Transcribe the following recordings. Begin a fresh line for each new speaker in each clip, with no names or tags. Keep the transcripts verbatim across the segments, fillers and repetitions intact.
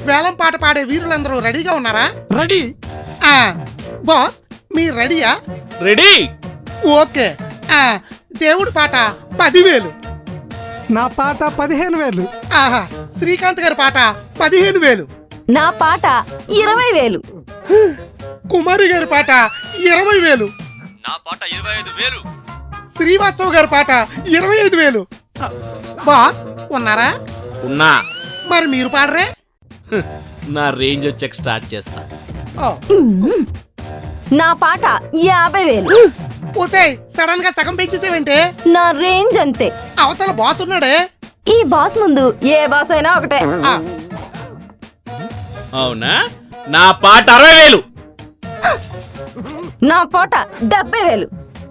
వేలం పాట పాడే వీరులందరూ రెడీగా ఉన్నారా?
రెడీ.
ఆ బాస్ మీరు రెడీయా?
రెడీ.
ఓకే. ఆ దేవుడి పాట పదివేలు.
నా పాట పదిహేను వేలు.
ఆహా శ్రీకాంత్ గారి పాట పదిహేను వేలు.
నా పాట ఇరవై వేలు.
కుమారి గారి పాట ఇరవై వేలు.
నా పాట ఇరవై ఐదు వేలు.
శ్రీవాస్తవ్ గారి పాట ఇరవై ఐదు వేలు. బాస్ ఉన్నారా?
ఉన్నా.
మరి మీరు పాడరే?
నా రేంజ్ వచ్చాక స్టార్ట్ చేస్తా.
ఓ.
నా పాట యాభై వేలు.
ఓసే సడన్ గా సగం పెంచేసేవంటే?
నా రేంజ్ అంతే.
అవతల బాస్ ఉన్నాడే.
ఈ బాస్ ముందు ఏ బాస్ అయినా ఒకటే.
ఆ,
అవునా? నా పాట అరవై వేలు.
నా పాట డెబ్బై వేలు.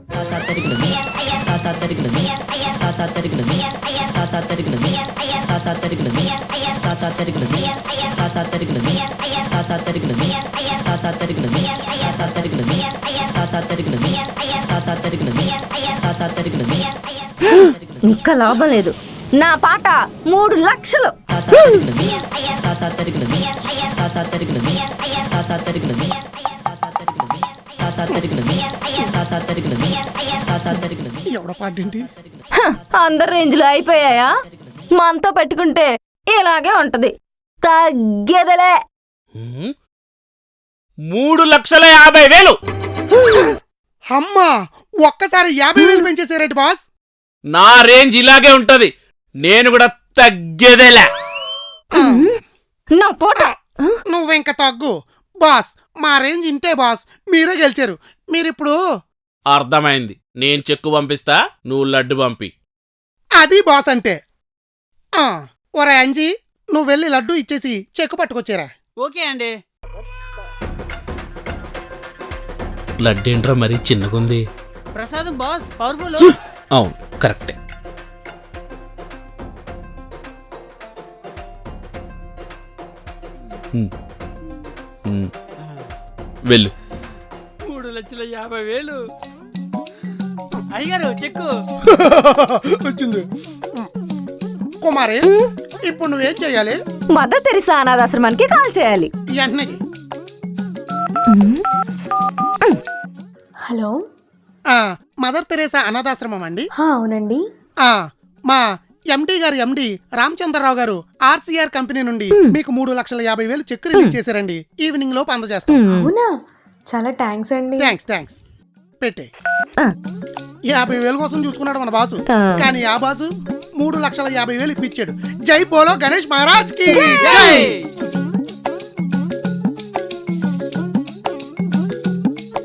ఇంకా లాభం లేదు. నా పాట మూడు లక్షలు.
ఎవడ పాటేంటి?
హ, అందరి రేంజ్లు అయిపోయాయా? మనతో పెట్టుకుంటే ఇలాగే ఉంటది. తగ్గేదలే.
హ్మ్? మూడు లక్షల యాభై వేలు.
అమ్మా ఒక్కసారి యాభై వేలు పెంచేసారేంటి బాస్?
నా రేంజ్ ఇలాగే ఉంటది. నేను కూడా తగ్గేదేలే.
నా పాట
నువ్వింక తగ్గు బాస్. మా రేంజ్ ఇంతే బాస్. మీరే గెలిచారు. మీరిప్పుడు
అర్థమైంది. నేను చెక్కు పంపిస్తా, నువ్వు లడ్డు పంపి.
అది బాస్ అంటే. ఆ, ఒరే అంజీ నువ్వు వెళ్ళి లడ్డు ఇచ్చేసి చెక్కు పట్టుకొచ్చారా?
ఓకే అండి.
లడ్డు ఏంట్రా మరీ చిన్నగుంది.
ప్రసాదం బాస్ పవర్ఫుల్.
అవును కరెక్టే. హ్మ్. హ్మ్. వెళ్ళు.
మూడు లక్షల యాభై వేలు. అయ్యారు చెక్కు.
వచ్చింది. కుమారి ఇప్పుడు నువ్వేం చెయ్యాలి?
మదర్ తెరిసా అనాథాశ్రమానికి కాల్ చేయాలి.
వెంటనే
హలో.
ఆ, మదర్ తెరేసా అనాథాశ్రమం అండి.
హా, అవునండి.
ఆ, మా ఎండి గారు ఎండి రామచంద్రరావు గారు ఆర్సీఆర్ కంపెనీ నుండి మీకు మూడు లక్షల యాభై వేలు చెక్ రిలీజ్ చేశారండి. ఈవినింగ్ లోపు అందజేస్తాం.
అవునా, చాలా థ్యాంక్స్ అండి.
థ్యాంక్స్ థ్యాంక్స్ పెట్టే.
ఆ.
యాభై వేల కోసం చూసుకున్నాడు మన బాసు.
ఆ.
కానీ ఆ బాసు మూడు లక్షల యాభై వేలు ఇప్పించాడు. జై బోలో గణేష్ మహారాజ్ కి
జై.